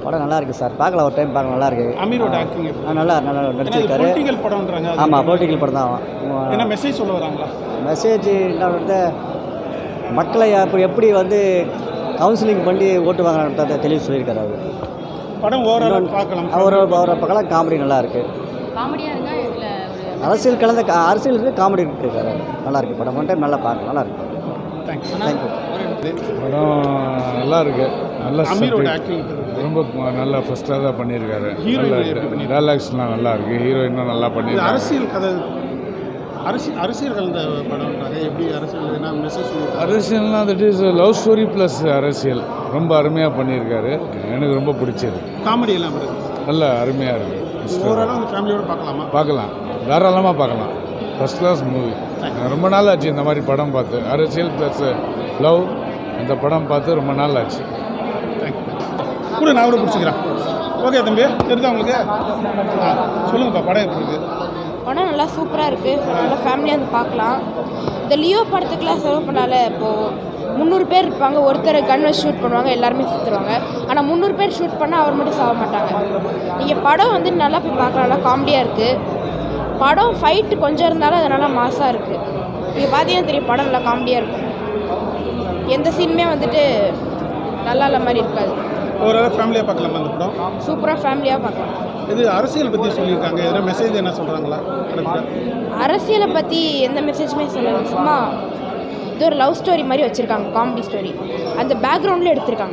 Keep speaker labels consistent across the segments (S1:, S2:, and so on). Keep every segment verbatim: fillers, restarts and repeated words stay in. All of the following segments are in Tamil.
S1: படம் நல்லா இருக்குது சார், பார்க்கலாம் ஒரு டைம் பார்க்கலாம், நல்லா இருக்குது.
S2: அமீரோட ஆக்டிங்
S1: நல்லா நல்லா நடிச்சிருக்காரு.
S2: பொலிட்டிக்கல் படம்ன்றாங்க.
S1: ஆமாம், பொலிட்டிக்கல் படம் தான்.
S2: என்ன மெசேஜ் சொல்ல வராங்களா?
S1: மெசேஜ் என்ன வந்து மக்களை அப்படி எப்படி வந்து கவுன்சிலிங் பண்ணி ஓட்டு வாங்கினதை தெளிவு சொல்லியிருக்காரு அவர்.
S2: படம் ஓவரால் பார்க்கலாம்.
S1: அவர் அவரை பார்க்கலாம். காமெடி நல்லா இருக்குது.
S3: காமெடியாக இருக்கா இல்லை
S1: அரசியல் கலந்த அரசியல் இருக்குது, காமெடி இருக்காரு. நல்லா இருக்குது படம். ஒன் டைம் நல்லா பார்க்கலாம், நல்லா இருக்குது.
S2: தேங்க்ஸ்.
S1: தேங்க்யூ.
S4: படம் நல்லா இருக்கு. நல்ல
S2: அமீரோட ஆக்டிங்
S4: ரொம்ப நல்லா ஃபர்ஸ்ட்டாக தான் பண்ணியிருக்காரு. டைலாக்ஸ்லாம் நல்லா இருக்கு. ஹீரோயினும் நல்லா பண்ணியிருக்காரு.
S2: அரசியல் கதை அரசியல் அரசியல் கலந்த படம்ன்றாங்க. எப்படி அரசியல் என்ன மெசேஜ் சொல்லுவாங்க?
S4: அரசியல்னால் that is love story plus அரசியல் ரொம்ப அருமையாக பண்ணியிருக்காரு. எனக்கு ரொம்ப பிடிச்சது.
S2: காமெடி எல்லாம் இருக்குது.
S4: நல்ல அருமையாக இருக்குது.
S2: ஓவராலாக அந்த ஃபேமிலியோடு பார்க்கலாமா?
S4: பார்க்கலாம், தாராளமாக பார்க்கலாம். First class movie. ரொம்ப நாள் ஆச்சு இந்த மாதிரி படம் பார்த்து. அரசியல் ப்ளஸ் லவ் இந்த படம் பார்த்து ரொம்ப நாள் ஆச்சு.
S2: கூட நான் கூட பிடிச்சிக்கிறேன். ஓகே தம்பி, தெரிஞ்சா உங்களுக்கு சொல்லுங்கப்பா, படம் எப்படி இருக்குது?
S3: படம் நல்லா சூப்பராக இருக்குது. நல்லா ஃபேமிலியாக வந்து பார்க்கலாம். இந்த லியோ படத்துக்குலாம் செலவு பண்ணால இப்போது முந்நூறு பேர் இருப்பாங்க, ஒருத்தர் கன் வச்சு ஷூட் பண்ணுவாங்க, எல்லாருமே சுற்றுருவாங்க. ஆனால் முந்நூறு பேர் ஷூட் பண்ணால் அவர் மட்டும் சாக மாட்டாங்க. நீங்கள் படம் வந்து நல்லா போய் பார்க்கலாம். நல்லா காமெடியாக இருக்குது. படம் ஃபைட்டு கொஞ்சம் இருந்தாலும் அது நல்லா மாசாக இருக்குது. நீங்கள் பார்த்தீங்கன்னா தெரியும், படம் நல்லா காமெடியாக இருக்கும். எந்த சீனுமே வந்துட்டு நல்லா இல்லை மாதிரி இருக்காது.
S2: ஓவராலாக ஃபேமிலியாக பார்க்கலாமா அந்த படம்?
S3: சூப்பராக ஃபேமிலியாக பார்க்கலாம்.
S2: இது அரசியல் பற்றி சொல்லியிருக்காங்க. எதனா மெசேஜ் என்ன சொல்கிறாங்களா?
S3: அரசியலை பற்றி எந்த மெசேஜுமே சொல்லலை. சும்மா இது ஒரு லவ் ஸ்டோரி மாதிரி வச்சுருக்காங்க, காமெடி ஸ்டோரி. அந்த பேக்ரவுண்டில் எடுத்திருக்காங்க.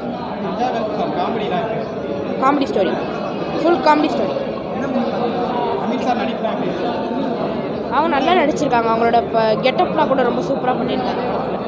S3: Comedy story, full comedy story. அவங்க நல்லா நடிச்சிருக்காங்க. அவங்களோட இப்போ கெட்டப்லாம் கூட ரொம்ப சூப்பராக பண்ணியிருக்காங்க.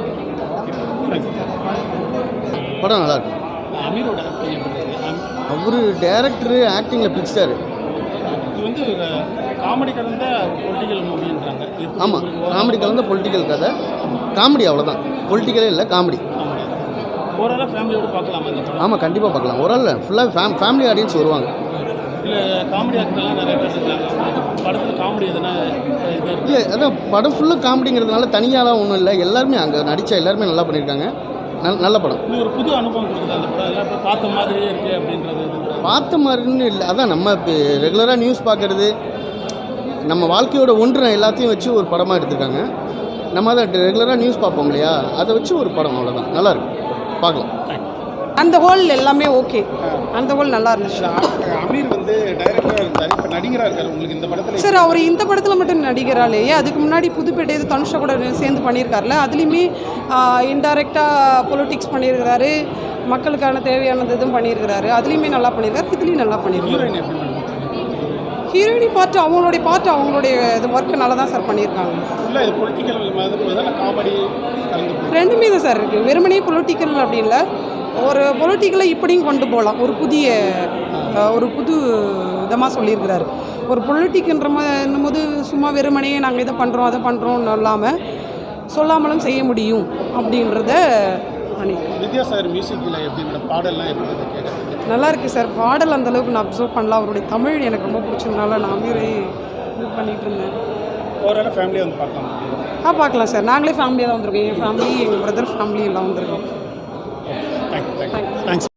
S5: படம் நல்லா இருக்கு.
S2: அமீரோட
S5: அவர் டேரக்டரு ஆக்டிங்கில் பிடிச்சிட்டாரு.
S2: இது வந்து காமெடி கலந்த பொலிட்டிக்கல் மூவின்றாங்க.
S5: ஆமாம், காமெடி கலந்த பொலிட்டிக்கல் கதை. காமெடி அவ்வளோதான், பொலிட்டிக்கலே இல்லை, காமெடி.
S2: ஓவராலாக ஃபேமிலியோடு பார்க்கலாம் அந்த படம்.
S5: ஆமாம், கண்டிப்பாக பார்க்கலாம். ஒரு ஆள் ஃபுல்லாக ஃபேம் ஃபேமிலி ஆடியன்ஸ் வருவாங்க.
S2: இல்லை காமெடி ஆக்டர்லாம் நிறைய பேர் இருக்காங்க. படத்தில் காமெடி எதனா இது
S5: இல்லை, அதான் படம் ஃபுல்லாக காமெடிங்கிறதுனால தனியாலாம் ஒன்றும் இல்லை. எல்லாருமே அங்கே நடித்த எல்லாருமே நல்லா பண்ணியிருக்காங்க. நல் நல்ல படம்.
S2: இது ஒரு புது அனுபவம் கொடுக்குது அந்த படம். எல்லாம் இப்போ பார்த்த மாதிரியே இருக்குது அப்படின்றது.
S5: பார்த்த மாதிரின்னு இல்லை, அதான் நம்ம இப்போ ரெகுலராக நியூஸ் பார்க்குறது, நம்ம வாழ்க்கையோட ஒன்று எல்லாத்தையும் வச்சு ஒரு படமாக எடுத்திருக்காங்க. நம்ம அதை ரெகுலராக நியூஸ் பார்ப்போம் இல்லையா, அதை வச்சு ஒரு படம், அவ்வளோதான். நல்லாயிருக்கு, பார்க்கலாம்.
S6: அந்த ஹோல் எல்லாமே ஓகே. அந்த ஹோல் நல்லா இருந்துச்சு.
S2: அமீர் வந்து டைரக்டராக இருந்தார், இப்போ நடிகராக இருக்கார். உங்களுக்கு இந்த படத்தில்
S6: சார் அவர் இந்த படத்தில் மட்டும் நடிகராலேயே, அதுக்கு முன்னாடி புதுப்பேட்டை இது தனுஷா கூட சேர்ந்து பண்ணியிருக்காருல, அதுலேயுமே இன்டைரக்டாக பொலிட்டிக்ஸ் பண்ணியிருக்கிறாரு, மக்களுக்கான தேவையானது இதுவும் பண்ணியிருக்கிறாரு. அதுலேயுமே நல்லா பண்ணியிருக்காரு, இதுலேயும் நல்லா பண்ணியிருக்காரு. ஹீரோயினி பார்ட்டு அவங்களுடைய பார்ட்டு அவங்களுடைய இது ஒர்க்கு நல்லா தான் சார் பண்ணியிருக்காங்க.
S2: இல்லை இது பொலிட்டிக்கல் மாதிரி காமெடி
S6: ரெண்டுமே தான் சார் இருக்குது. வெறுமனே பொலிட்டிக்கல் அப்படி இல்லை, ஒரு பொலிட்டிக்கலை இப்படியும் கொண்டு போகலாம். ஒரு புதிய ஒரு புது விதமாக சொல்லியிருக்கிறாரு. ஒரு பொலிட்டிக்குன்ற என்னும் போது சும்மா வெறுமனே நாங்கள் இதை பண்ணுறோம் அதை பண்ணுறோம்னு இல்லாமல் சொல்லாமலும் செய்ய முடியும் அப்படின்றத பண்ணியிருக்கேன்.
S2: வித்யாசாகர் மியூசிக்கில் எப்படி பாடல்லாம் எப்படி கேட்குறது?
S6: நல்லா இருக்குது சார். பாடல் அந்தளவுக்கு நான் அப்சர்வ் பண்ணலாம். அவருடைய தமிழ் எனக்கு ரொம்ப பிடிச்சதுனால நான் அமீரை இது பண்ணிகிட்டு இருந்தேன்.
S2: ஓவராலாக ஃபேமிலியாக வந்து பார்க்கலாம்.
S6: ஆ பார்க்கலாம் சார். நாங்களே ஃபேமிலியாக தான் வந்திருக்கோம். என் ஃபேமிலி, எங்கள் பிரதர் ஃபேமிலி எல்லாம் வந்திருக்கோம்.
S2: தேங்க்ஸ்.